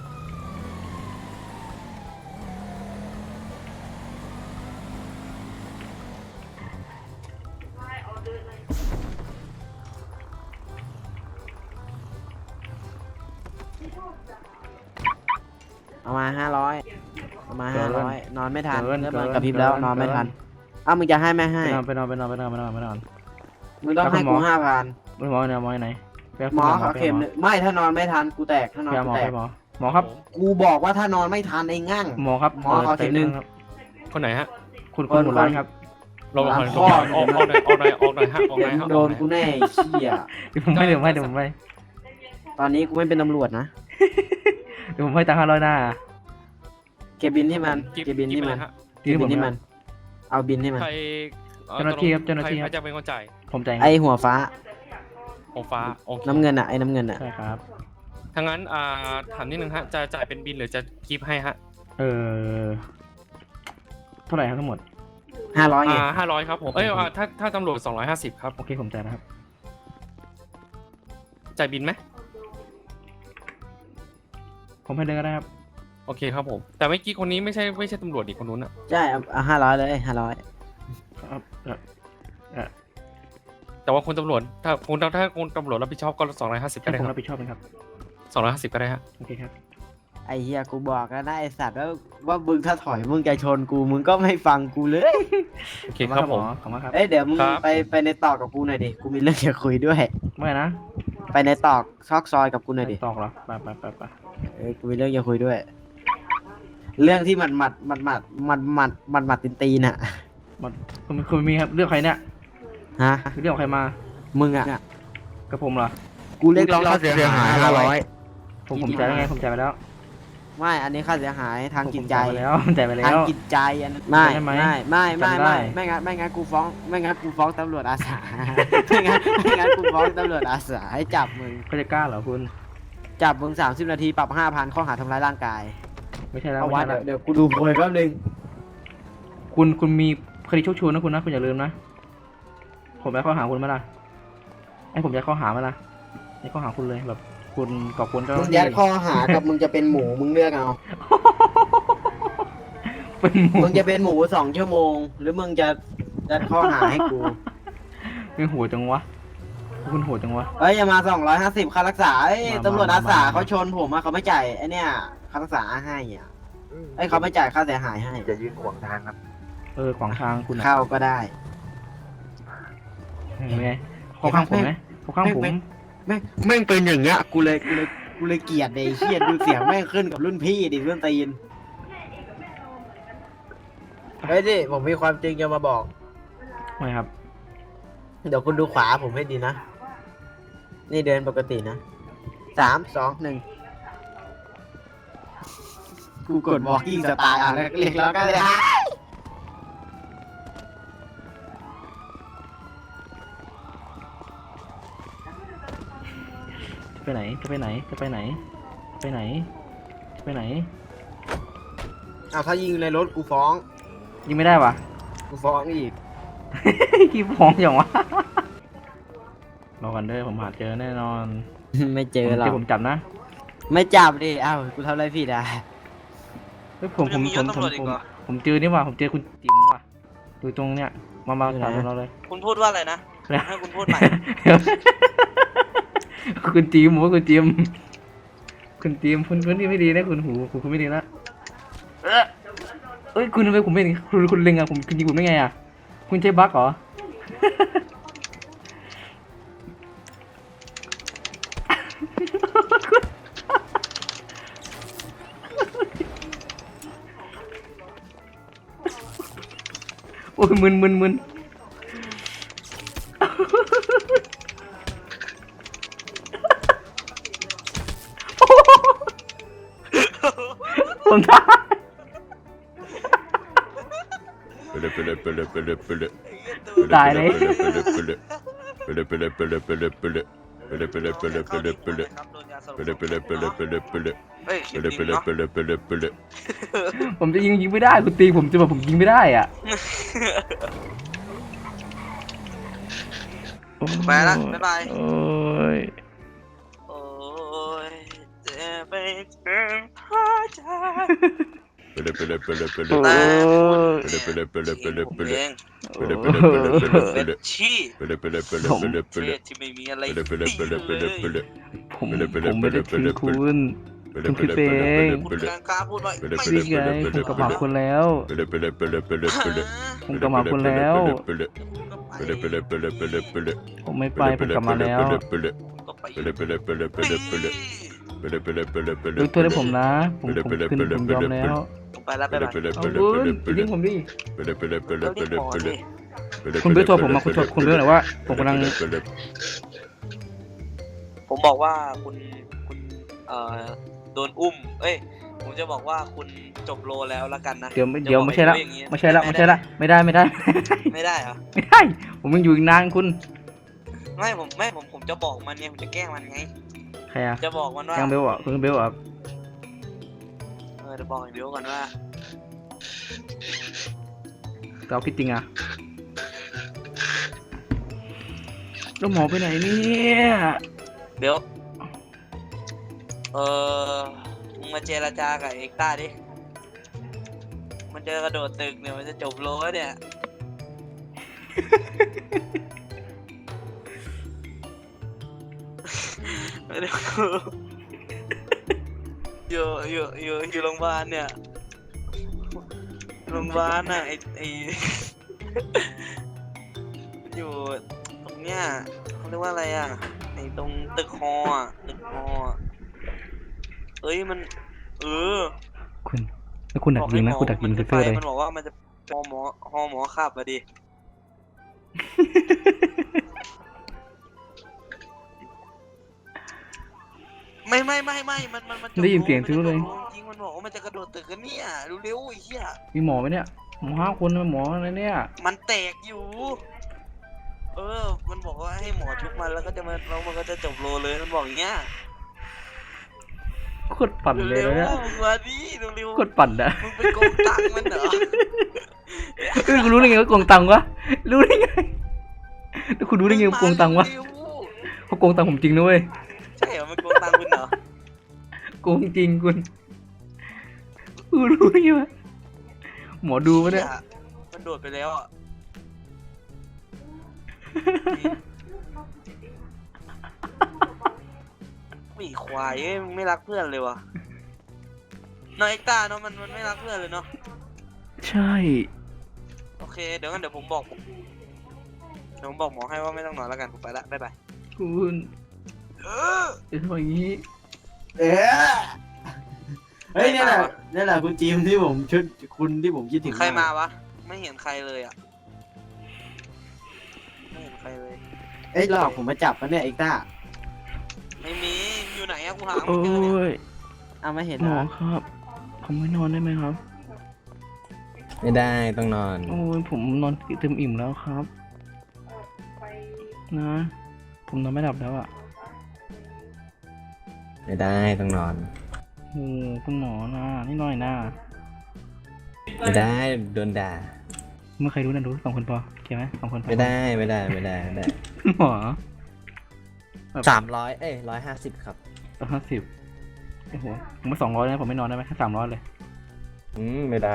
[SPEAKER 3] ไม่เอาเดินเลย
[SPEAKER 2] เอามาห้าร้อยเอามาห้าร้อยนอนไม่ทันเริ่มนอนกระพริบแล้วนอนไม่ทันอ้าวมึงจะให้ไม่ให้
[SPEAKER 1] ไปนอนไปนอนไปนอนไปนอนไปนอนไปนอน
[SPEAKER 2] มึงต้องให้กูห้าพัน
[SPEAKER 1] ไม่หมอเนี่ยหมอไหนไปเอา
[SPEAKER 2] หมอ
[SPEAKER 1] ไป
[SPEAKER 2] ขอ
[SPEAKER 1] ไป
[SPEAKER 2] เข็มหนึ่งไม่ถ้านอนไม่ทันกูแตกถ้านอน
[SPEAKER 1] ไปเอาหม
[SPEAKER 2] กู
[SPEAKER 1] อ
[SPEAKER 2] แต
[SPEAKER 1] ไป
[SPEAKER 2] ก
[SPEAKER 1] หมอหมอครับ
[SPEAKER 2] กูบอกว่าถ้านอนไม่ทันไอ้งั่ง
[SPEAKER 1] หมอครับ
[SPEAKER 2] หมอขอเข็มหนึ่ง
[SPEAKER 1] ครับ
[SPEAKER 8] คนไหนฮะ
[SPEAKER 1] คุณคุณหมดร้านครับ
[SPEAKER 8] ลงหน่อย
[SPEAKER 2] พ่
[SPEAKER 8] ล
[SPEAKER 2] อ
[SPEAKER 8] งหน่อยออกออกหน่อยออกหน่อยออกหน่อยฮะออกห
[SPEAKER 2] เดี๋
[SPEAKER 8] น่
[SPEAKER 2] ย
[SPEAKER 8] อ
[SPEAKER 2] วย
[SPEAKER 8] ฮะ
[SPEAKER 2] โดนกูแน่ไอ้เหี้ย
[SPEAKER 1] เดี๋ยวผมให้เดี๋ยวผมให้เดี๋ยวผมให้
[SPEAKER 2] ตอนนี้กูไม่เป็นตำรวจนะ
[SPEAKER 1] เดี๋ยวผมให้ตังค์ห้าร้อยหน้า
[SPEAKER 2] เก็บบินที่มัน
[SPEAKER 8] กิ๊บ
[SPEAKER 2] เก็บบินที่มัน
[SPEAKER 8] ฮะ
[SPEAKER 2] เก็บบินที่มัน เอาบินให้มัน
[SPEAKER 8] ใครอ่อ
[SPEAKER 1] เจ้าหน้าที่ครับเจ้าหน้าที่ครับ
[SPEAKER 8] ใครจะเป็นคนจ่าย
[SPEAKER 1] ผมใจาย
[SPEAKER 2] ไอหัวฟ้า
[SPEAKER 8] ของฟ้าโอเค
[SPEAKER 2] น้ำเงินอ่ะไอ้น้ำเงินอ่ะ
[SPEAKER 1] ใช่ครับ
[SPEAKER 8] ถ้างั้นอ่าถามนิดนึงฮะจะจ่ายเป็นบินหรือจะกิฟต์ให้ฮะ
[SPEAKER 1] เออเท่าไหร่ครับทั้งหมด
[SPEAKER 2] ห้าร้อยไง
[SPEAKER 8] อ่าห้าร้อยครับผมเอ้ยอ่าถ้าถ้าตำรวจสองร้อยห้าสิบครับ
[SPEAKER 1] โอเคผมจ่ายนะครับ
[SPEAKER 8] จ่ายบินไหม
[SPEAKER 1] ผมให้เลยก็ได้ครับ
[SPEAKER 8] โอเคครับผมแต่เมื่อกี้คนนี้ไม่ใช่ไม่ใช่ตำรวจอีกคนนู้นอะ
[SPEAKER 2] ใช่เอาห้าร้อยเลยห้าร้อย
[SPEAKER 1] ครับเอ่อเออ
[SPEAKER 8] แต่ว่าคนตำรวจถ้าคนถ้าคนตำรวจรับผิดชอบก็สองร้อยห้าสิบก็
[SPEAKER 1] ให้
[SPEAKER 8] ได้
[SPEAKER 1] ผม
[SPEAKER 8] ค
[SPEAKER 1] รั
[SPEAKER 8] รั
[SPEAKER 1] บบ ผิดชอบเองครับ
[SPEAKER 8] สองร้อยห้าสิบก็ได้ฮะ
[SPEAKER 1] โอเคครับ
[SPEAKER 2] ไอเฮียกูบอกแล้วนะไอสัตว์ว่าว่ามึงถ้าถอยมึงจะชนกูมึงก็ไม่ฟังกูเลย
[SPEAKER 8] โอเคครับผม
[SPEAKER 1] ขอบคุณครับ
[SPEAKER 2] เอ้ยเดี๋ยวมึง
[SPEAKER 8] ครับ
[SPEAKER 2] ไปไปในตอกกับกูหน่อยดิกูมีเรื่องจะคุยด้วย
[SPEAKER 1] ไม่นะ
[SPEAKER 2] ไปในตอกซอกซอยกับกูหน่อยดิ
[SPEAKER 1] ตอกเหรอไปไปไปไป
[SPEAKER 2] เอ้ยกูมีเรื่องจะคุยด้วย เรื่องที่มันหมัดหมัดหมัดหมัดหมัดหมัดหมัดตีนตีนอ่ะ
[SPEAKER 1] มันคุณคุณมีครับเรื่องใครเนี่ย
[SPEAKER 2] ฮะ
[SPEAKER 1] เรื่องของใครมา
[SPEAKER 2] มึงอ่ะ
[SPEAKER 1] กับผมเหรอ
[SPEAKER 2] กูเรียกร้องค่าเสียหายห้าร้อย
[SPEAKER 1] ผมผมจ่ายแล้วไงผมจ่ายไปแล้ว
[SPEAKER 2] ไม่ อันนี้ค่าเสียหายทางจิตใจ
[SPEAKER 1] ผมจ่ายไปแล้วผมจ่ายไปแล้
[SPEAKER 2] ทาง
[SPEAKER 1] ว
[SPEAKER 2] จิตใจอันนั้นไม่
[SPEAKER 1] ได้ไหม
[SPEAKER 2] ไม่ไม่ไม่
[SPEAKER 1] จำได้
[SPEAKER 2] ไม่ไม่งั้นไม่งั้นกูฟ้องไม่งั้นกูฟ้องตำรวจอาสา ไม่งั้นไม่งั้นกูฟ้องตำรวจอาสาให้จับมึง
[SPEAKER 1] เขาจะกล้าเหรอคุณ
[SPEAKER 2] จับมึงสามสิบนาทีปรับห้าพันข้อหาทำร้ายร่างกาย
[SPEAKER 1] ไม่ใช่แล้ว
[SPEAKER 2] เอา
[SPEAKER 1] ไม่
[SPEAKER 2] วัด
[SPEAKER 1] ใช่แล้ว
[SPEAKER 2] เดี๋ยวกูดูโพยแป๊บนึง
[SPEAKER 1] คุณคุณมีคดีโชคชวนนะคุณนะคุณอย่าลืมนะ ผมจะข้อหาคุณไหมล่ะให้ผมจะข้อหาไหมล่ะให้ข้อหาคุณเลยแบบ คุณกับคุณเจ้าห
[SPEAKER 2] มึ
[SPEAKER 1] น้าง ที่
[SPEAKER 2] ยัดข้อหากับมึงจะเป็นหมูมึงเลือกเอา
[SPEAKER 1] เป็นหมู
[SPEAKER 2] มึงจะเป็นหมูสองชั่วโมง หรือมึงจะยัดข้อหาให้กู
[SPEAKER 1] เป็นโหดจังวะคุณโหดจังวะ
[SPEAKER 2] เอ้ยอย่ามาสองร้อยห้าสิบค่ารักษาเอ้ย
[SPEAKER 1] มา
[SPEAKER 2] ตำรวจ
[SPEAKER 1] มา
[SPEAKER 2] อาสา
[SPEAKER 1] มา
[SPEAKER 2] เขาชนผมอะเขาไม่จ่ายไอ้เนี่ยค่ารักษาให้อ่ะไอ้ยเขาไม่จ่ายค่าเสียหายให้
[SPEAKER 9] จะยืนขวางทางครับ
[SPEAKER 1] เออขวางทางคุณอะ
[SPEAKER 2] เข้าก็ได้
[SPEAKER 1] เห็นไงเขาข้างผมไหมเขาข้างผม
[SPEAKER 2] แม่งแม่งแม่งเป็นอย่างเงี้ยกูเลยกูเลยกูเลยเกลียดเลยไอ้เฮียดูเสียงแม่งขึ้นกับรุ่นพี่ดิเรื่องตีนเฮ้ยดิผมมีความจริงจะมาบอก
[SPEAKER 1] ไม่ครับ
[SPEAKER 2] เดี๋ยวคุณดูขวาผมให้ดีนะ นี่เดินปกตินะสามสองหนึ่งกูกด walking style อ่ะแล้วเรียกแล้วก็เลยฮะ
[SPEAKER 1] จะไปไหนจะไปไหนจะไปไหน ไปไหนจะไปไหน
[SPEAKER 2] เอาถ้ายิงในรถกูฟ้อง
[SPEAKER 1] ยิงไม่ได้วะ
[SPEAKER 2] กูฟ้องอีก
[SPEAKER 1] กี่ฟ้องอย่างวะรอกันเด้อผมหาเจอแน่นอน
[SPEAKER 2] ไม่เจอหรอ
[SPEAKER 1] เดี๋ย
[SPEAKER 2] ก
[SPEAKER 1] วผมจับนะ
[SPEAKER 2] ไม่จับดิอ้าวกูทำอะไรผิดอ่ะ
[SPEAKER 1] เฮ้ยผมผม
[SPEAKER 5] ยังมี
[SPEAKER 1] ผ
[SPEAKER 5] ย
[SPEAKER 1] ม
[SPEAKER 5] ศ
[SPEAKER 1] ผม
[SPEAKER 5] ตำรวจอี
[SPEAKER 1] ผ
[SPEAKER 5] ก
[SPEAKER 1] ม
[SPEAKER 5] เหรอ
[SPEAKER 1] ผมเจอนี่ว่ะผมเจอคุณจิ๋มว่ะดูตรงเนี้ยมามาถามเราเลย
[SPEAKER 5] คุณพูดว่าอะไรนะให้คุณพูดใหม่
[SPEAKER 1] คุณจิ๋มผมว่าคุณจิ๋มคุณจิ๋มคุณคุณที่ไม่ดีนะคุณหูคุณคุณไม่ดีนะเอ้ยเอ้ยคุณทำไมผมไม่เห็นคุณคุณเล็งอะผมคุณยิงผมได้ไงอะคุณใช้บั๊กเหรอ โอ้ยมึนมึนมึนผมตาย
[SPEAKER 6] ไปเลยไปเลยไปเลยไปเลยไปเลย
[SPEAKER 1] ตายเลย
[SPEAKER 6] ไปเลยไปเลยไปเลยไปเลยไปเลยไปเลยไปเลยไปเลยไปเลยไปเลยไปเลย
[SPEAKER 5] ครับโดนยาสลบ
[SPEAKER 6] ไปเลยไปเลยไปเลยไปเลยไปเลย
[SPEAKER 5] เฮ้ย
[SPEAKER 6] ไปเลยไปเลยไปเลยไปเลยไปเลย
[SPEAKER 1] ผมจะยิงยิงไม่ได้คุณตีผมจะบอกผมยิงไม่ได้อ่ะ
[SPEAKER 5] ไปละบ๊ายบาย
[SPEAKER 1] โอ้ย
[SPEAKER 5] โอ้ยเจ็บไปถึงหัวใจ
[SPEAKER 6] ไปเลยไปเลยไปเลยไปเลย
[SPEAKER 1] โอ้ย
[SPEAKER 6] ไปเลยไปเลยไปเลยไปเลยไปเลย
[SPEAKER 5] เอง
[SPEAKER 6] ไปเลยไปเลยไปเลยไปเลยไป
[SPEAKER 5] เป็
[SPEAKER 6] เลย
[SPEAKER 5] นชี้
[SPEAKER 6] ไปเลยไปเลยไปเลยไปเลยไป
[SPEAKER 5] เท
[SPEAKER 6] เลย
[SPEAKER 5] ศที่ไม่มีอะไร
[SPEAKER 6] ไปเลยไปเลยไปเลยไปเลยไปเลย
[SPEAKER 1] ผม
[SPEAKER 6] ไปเลยไปเลย
[SPEAKER 1] ผมไม่ได้
[SPEAKER 6] ไป
[SPEAKER 1] ทิ้
[SPEAKER 6] เลย
[SPEAKER 1] งคุณ
[SPEAKER 6] ไปเลยไปเลยไปเลยไปเลย
[SPEAKER 5] คุณกลางกล้าพูดหน่อย
[SPEAKER 6] ไปเลย
[SPEAKER 5] ไม่
[SPEAKER 6] ไปเลย
[SPEAKER 1] นี่ไงผมกลับมาคุณแล้ว
[SPEAKER 6] ไปเลยไปเลยไปเลยไปเลยไปเลย
[SPEAKER 1] ผมกลับมาคุณแล้ว
[SPEAKER 6] ไปเลยไปเลยไปเลยไปเลยไปเลยไปเลย
[SPEAKER 1] ผมไม่ไปผมกลับมาแล้ว
[SPEAKER 6] ไปเลยไปเลย
[SPEAKER 5] ก็
[SPEAKER 6] Pele pele pele pele pele. Pele pele pele pele.
[SPEAKER 1] ยกโทษให้ผมนะ ผมผมคืนผมยอมแล้ว
[SPEAKER 5] ผมไปแล้วไป
[SPEAKER 6] Pele
[SPEAKER 5] ไป
[SPEAKER 6] pele
[SPEAKER 1] เอา
[SPEAKER 6] pele
[SPEAKER 1] คุณ
[SPEAKER 6] pele
[SPEAKER 1] อย่า
[SPEAKER 6] pele.
[SPEAKER 1] ทิ้งผมดิ
[SPEAKER 6] Pele pele pele
[SPEAKER 5] เรารีบ
[SPEAKER 6] pele
[SPEAKER 5] ขอ
[SPEAKER 6] pele.
[SPEAKER 5] ดิ
[SPEAKER 6] Pele
[SPEAKER 1] คุณ
[SPEAKER 6] pele
[SPEAKER 1] เบสโทรผม
[SPEAKER 6] pele
[SPEAKER 1] มาคุณโทร
[SPEAKER 6] pele
[SPEAKER 1] คุณเบสหน่อยว่าผมกำลัง
[SPEAKER 6] pele pele.
[SPEAKER 5] ผมบอกว่าคุณคุณเอ่อโดนอุ้ม เอ้ย ผมจะบอกว่าคุณจบโลแล้วละกันนะ
[SPEAKER 1] เดี๋ยว
[SPEAKER 5] จะ
[SPEAKER 1] เดี๋ยว
[SPEAKER 5] บอก
[SPEAKER 1] ไม่ใช่ละ
[SPEAKER 5] อ้อย่างงี้
[SPEAKER 1] ไม่ใช่ละไม่ใช่ละไม่ได้ไม่ได้
[SPEAKER 5] ไม่ได้เหรอ
[SPEAKER 1] ไม่ได้ ผมยังอยู่อีกนานคุณ
[SPEAKER 5] ไม่ผมไม่ผมผมจะบอกมันเนี่ยผมจะแกล้งมันไง
[SPEAKER 1] ใครอะ
[SPEAKER 5] จะบอกมันว่า
[SPEAKER 1] ยังเบลอ่ะคุณเบลอ่ะ
[SPEAKER 5] เออจะบอกไอ้เบลก่อนว่า
[SPEAKER 1] เราคิดจริงอ่ะแล้วหมอไปไหนเนี่ย
[SPEAKER 5] เบลเออมึงมาเจรจากับเอ็กต้าดิ มันจะกระโดดตึกเนี่ยมันจะจบโลแล้วเนี่ย อยู่อยู่อยู่อยู่โรงพยาบาลเนี่ยโรงพยาบาลน่ะไอไอ อยู่ตรงเนี้ยเขาเรียกว่าอะไรอ่ะไอตรงตึกฮออ่ะตึกฮออ่ะเอ้ยมันเออ
[SPEAKER 1] คุณแล้วคุณดักยิงนะคุณดักยิง
[SPEAKER 5] มั
[SPEAKER 1] เซ
[SPEAKER 5] จะ
[SPEAKER 1] ฟเฟอร์เลย
[SPEAKER 5] มันบอกว่ามันจะฮอหมอฮอหมอขับอะดิ ไม่ไม่ไม่ไม่มันมันมันจบ
[SPEAKER 1] ได้ยินเสียง
[SPEAKER 5] โล
[SPEAKER 1] ทิ้งเลย
[SPEAKER 5] มันจะจบโจริงมันบอกว่ามันจะกระโดดตึกกันเนี่ยเร็วๆไอ้เหี้ย
[SPEAKER 1] มีหมอไหมเนี่ยหมอห้าคนนะหมออะไรเนี่ย
[SPEAKER 5] มันแตกอยู่ เออ มันบอกว่าให้หมอชุบมันแล้วก็จะมาแล้วมันก็จะจบโลเลยมันบอกอย่างเงี้ย
[SPEAKER 1] โคตรปั่นเลย
[SPEAKER 5] เร็ว
[SPEAKER 1] นะ
[SPEAKER 5] ๆมึงมาดิเร็ว
[SPEAKER 1] โคตรปั่นอะ
[SPEAKER 5] ๆมึงไปโกงตังค์มันเหรอ
[SPEAKER 1] เอ้ยคุณรู้ได้ไงว่าโกงตังค์วะรู้ได้ไงแล้วคุณรู้ได้ไงว่าโกงตังค์วะ
[SPEAKER 5] เร็ว
[SPEAKER 1] เขาโกงตังค์ผมจริงนะเว้ย
[SPEAKER 5] ๆใช่เหรอมันโกงตังค์คุณเหรอ
[SPEAKER 1] โกงจริงคุณคุณรู้ได้ไงวะหมอดูปะเนี่ย
[SPEAKER 5] หี้มันโดดไปแล้วอ่ะ มีควายเอ้ยมึงไม่รักเพื่อนเลยวะน้องเอ็กต้าเนาะมันมันไม่รักเพื่อนเลยเนาะ
[SPEAKER 1] ใช่
[SPEAKER 5] โอเคเดี๋ยวงั้นเดี๋ยวผมบอกเดี๋ยวผมบอกหมอให้ว่าไม่ต้องนอนแล้วกันผมไปละบ๊ายบาย
[SPEAKER 1] คุณ
[SPEAKER 5] เออ
[SPEAKER 1] จะทำอย่างนี้
[SPEAKER 2] เอ๊ะเฮ้ยนี่แหละนี่แหละคุณจีมที่ผมชุดคุณที่ผมคิดถึง
[SPEAKER 5] ใครมาวะไม่เห็นใครเลยอ่ะไม่เห็นใครเลย
[SPEAKER 2] เอ้ยหลอกผมมาจับปะเนี่ยเอ็กต้า
[SPEAKER 5] ไม่มีอยู่ไหนอะกูหา
[SPEAKER 1] โอ้
[SPEAKER 5] ไม่เจอเนี่ย
[SPEAKER 1] ย
[SPEAKER 2] เอาไม่เห็น
[SPEAKER 1] ห
[SPEAKER 2] เห
[SPEAKER 1] ม
[SPEAKER 2] ร
[SPEAKER 1] อ
[SPEAKER 2] อ
[SPEAKER 1] ครับ ผมไม่นอนได้ไหมครับ
[SPEAKER 9] ไม่ได้ต้องนอน
[SPEAKER 1] โอ้ยผมนอนเต็มอิ่มแล้วครับ
[SPEAKER 3] ไป
[SPEAKER 1] นะ ผมนอนไม่หลับแล้วอ่ะ
[SPEAKER 9] ไม่ได้ต้องนอน
[SPEAKER 1] โอ้คุณหมอนะนี่หน่อยนะ
[SPEAKER 9] ไม่ได้โดนด่า
[SPEAKER 1] เมื่อใครรู้นะรู้สองคนพอโอเคไหมสองคนพอ
[SPEAKER 9] ไม่ได้ไม่ได้ไม่ได้ไม่ได้
[SPEAKER 1] คุณหมอ
[SPEAKER 9] สามร้อยเอ้ยร้อยห้าสิบครับ
[SPEAKER 1] ร้อยห้าสิบโอ้โหผมมาสองร้อยนะผมไม่นอนได้ไหมแค่สามร้อยเลย
[SPEAKER 9] อืมไม่ได้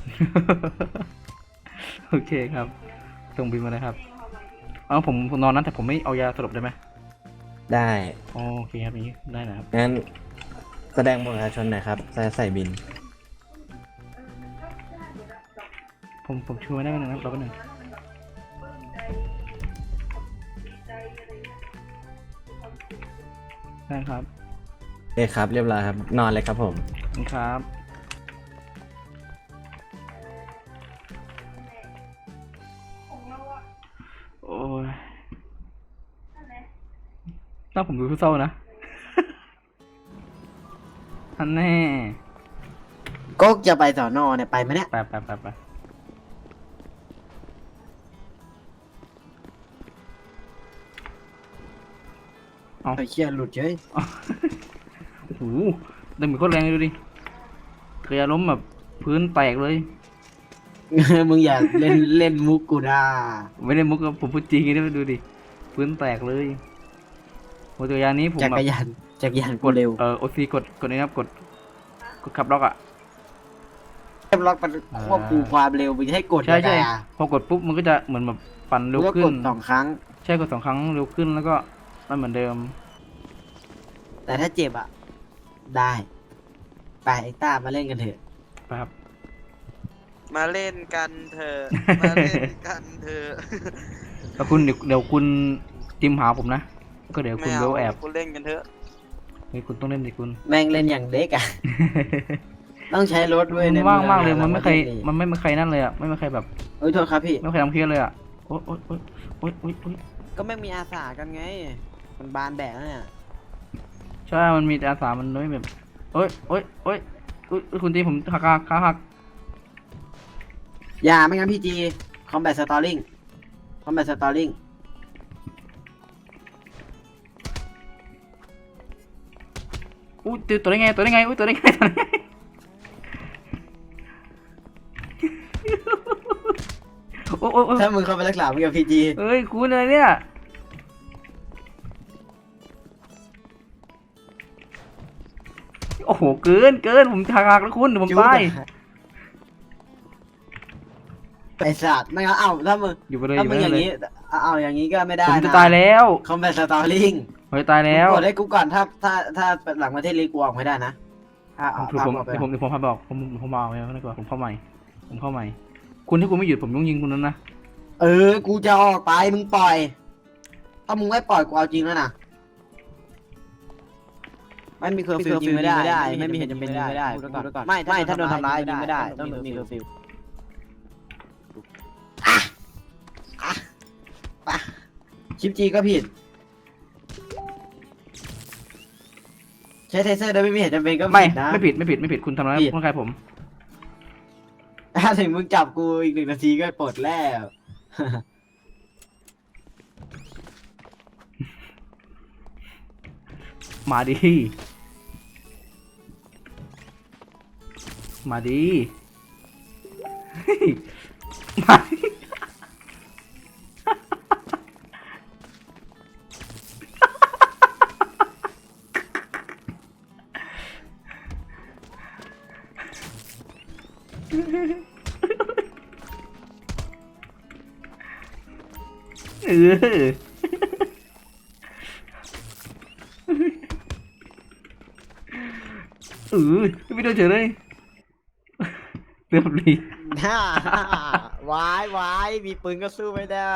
[SPEAKER 1] โอเคครับส่งบินมาเลยครับเอาผมผมนอนนั้นแต่ผมไม่เอายาสลบได้ไหม
[SPEAKER 9] ได้
[SPEAKER 1] อ๋อโอเคครับอย่างนี้ได้นะครับ
[SPEAKER 9] งั้นแสดงบัตรประชาชนหน่อยครับใส่ใส่บิน
[SPEAKER 1] ผมผมช่วยได้ไหมนะครับรอแป๊บนึงได้ครับ
[SPEAKER 9] โอเคครับเรียบร้อยครับนอนเลยครับผม
[SPEAKER 1] ขอบคุณครับโอ้ยน่าผมดูเศร้าๆนะ อันแน่
[SPEAKER 2] ก็จะไปสอนอเนี่ยไปไหมเนี่ย
[SPEAKER 1] ไปไปไปไปเอา
[SPEAKER 2] ไอ้เชี่ยหลุดเฉย
[SPEAKER 1] โอ้โหดังเหมือนโคตรแรงเลยดูดิเกลียล้มแบบพื้นแตกเลย
[SPEAKER 2] มึงอย่าเล่นเล่นมุกกูด่า
[SPEAKER 1] ไม่ได้มุกกับผมพูดจริงนะดูดิพื้นแตกเลยโมตัวยานนี้ผม
[SPEAKER 2] จัก
[SPEAKER 1] แบบ
[SPEAKER 2] รยานจักรยาน
[SPEAKER 1] ก
[SPEAKER 2] กู
[SPEAKER 1] ด
[SPEAKER 2] เร็ว
[SPEAKER 1] เออโอซีกดกดนี่นะครับกดกดขับล็อกอ่ะ
[SPEAKER 2] เรียบร้อยมันควบคุมความเร็วมึงจะให้กด
[SPEAKER 1] ใช่ใช่
[SPEAKER 2] ด่า
[SPEAKER 1] พอกดปุ๊บมันก็จะเหมือนแบบปั่น
[SPEAKER 2] มึ
[SPEAKER 1] เร็
[SPEAKER 2] ง
[SPEAKER 1] ว
[SPEAKER 2] ก็
[SPEAKER 1] ขึ้
[SPEAKER 2] ก
[SPEAKER 1] น
[SPEAKER 2] ดสองครั้ง
[SPEAKER 1] ใช่กดสองครั้งเร็วขึ้นแล้วก็มันเหมือนเดิม
[SPEAKER 2] แต่ถ้าเจ็บอ่ะ ได้ไปไอ้ต้ามาเล่นกันเถอะ
[SPEAKER 1] ไปครับ
[SPEAKER 5] มาเล่นกันเถอะมาเล่นกันเถอะ
[SPEAKER 1] แล้วคุณเดี๋ยวเดี๋ยวคุณจิมหาผมนะก็เดี๋ยวคุ
[SPEAKER 5] ไม่
[SPEAKER 1] ณ
[SPEAKER 5] เอา
[SPEAKER 1] เบลแอบ
[SPEAKER 5] คุณเล่นกันเถอะ
[SPEAKER 1] เฮ้ยคุณต้องเล่นดิคุณ
[SPEAKER 2] แม่งเล่นอย่างเด็กอะ ต้องใช้รถด้วย
[SPEAKER 1] มัน
[SPEAKER 2] ใน
[SPEAKER 1] ว่างมากเลย
[SPEAKER 2] อะ
[SPEAKER 1] มันไม่เคย
[SPEAKER 2] ประทศ
[SPEAKER 1] มันไม่มีใครนั่นเลยอ่ะไม่มีใครแบบ
[SPEAKER 2] เอ้ยโทษครับพี่
[SPEAKER 1] ไม่มีใครทำเคสเลยอ่ะโอ๊ยโอ๊ยโอ๊ยโอ๊ยโอ๊ยโอ๊ย
[SPEAKER 2] ก็แม่งมีอาสากันไง มันบานแดดแล้วเนี่ย
[SPEAKER 1] ใช่มันมีแต่อาสามันไม่แบบโอ๊ยโอ๊ยโอ๊ยโอ๊ยคุณตีผมหักขาขาหัก
[SPEAKER 2] อย่าไม่งั้นพี่จีคอมแบทสตอริงคอมแบทสตอริง
[SPEAKER 1] อุ้ยตัวได้ไงตัวได้ไงอุ้ยตัวได้ไงตัวได้ไงโอ้โอ้โอ้
[SPEAKER 2] ถ้ามึงเข้าไปรักษามึงกับพีจี
[SPEAKER 1] เอ้ยคุณอะไรเนี่ยโอ้โหเกินเกินผมหักหักแล้วคุณเดี๋ยวผมตาย
[SPEAKER 2] ไปสัตว์ไม่งั้นเอ้าถ้ามึง
[SPEAKER 1] อยู่ไปเลยอ
[SPEAKER 2] ถ้า
[SPEAKER 1] ยู่
[SPEAKER 2] มึ
[SPEAKER 1] ไป
[SPEAKER 2] งอ
[SPEAKER 1] เล
[SPEAKER 2] ย่าง
[SPEAKER 1] ย
[SPEAKER 2] นี้เอาเอาอย่างนี้ก็ไม่ได้
[SPEAKER 1] ผม
[SPEAKER 2] นะ
[SPEAKER 1] จะตายแล้ว
[SPEAKER 2] คอมแบทสตอริง
[SPEAKER 1] เฮ้ยตายแล้ว
[SPEAKER 2] กดให้กูก่อนถ้าถ้าถ้าหลังประเทศลีกกูออกไม่ได้นะถ้าเอา
[SPEAKER 1] ผมผม
[SPEAKER 2] เอาไป
[SPEAKER 1] เดี๋ยวผมเดี๋ยวผมพาบอกผมผมมาเอาไว้ดีกว่าผมเข้าใหม่ผมเข้าใหม่ คุณถ้าคุณไม่หยุดผมต้องยิงคุณนั้นนะ
[SPEAKER 2] เออ กูจะออกไปมึงปล่อย ถ้ามึงไม่ปล่อยกูเอาจริงแล้วนะไม่มีเคอร์ฟิวยิงไม่ได้ ไม่มีเหตุจำเป็นยิงไม่ได้พูดไว้ก่อนไม่ไม่ถ้าโดนทำร้ายยิงไม่ได้ต้องมีเคอร์ฟิวอ่ะอ่ะไปชิปจีก็ผิด ใช้เทเซอร์โดยไม่มีเหตุจำเป็นก็
[SPEAKER 1] ไม่
[SPEAKER 2] ผิดนะ
[SPEAKER 1] ไม่ผิดไม่ผิดไม่ผิดคุณทำร้าย
[SPEAKER 2] ผิด
[SPEAKER 1] ร่างกายผม
[SPEAKER 2] ถ้าถึงมึงจับกูอีกหนึ่งนาทีก็ปลดแล้ว
[SPEAKER 1] มาดีมาดีเฮ้ยมาดิเออเออไม่โดนเฉยเลยเรียบรี
[SPEAKER 2] ฮ่า วายวายมีปืนก็สู้ไม่ได้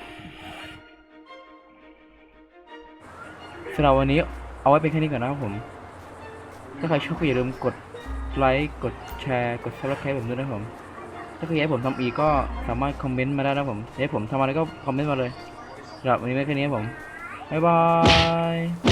[SPEAKER 1] สำหรับวันนี้เอาไว้เป็นแค่นี้ก่อนนะครับผม ถ้าใครชอบก็อย่าลืมกดไลค์กดแชร์กด subscribe ผมด้วยนะครับผม ถ้าใครอยากให้ผมทำอีกก็สามารถคอมเมนต์มาได้นะครับผมอยากให้ผมทำอะไรก็คอมเมนต์มาเลยสำหรับวันนี้ไว้แค่นี้ครับผม บ๊ายบาย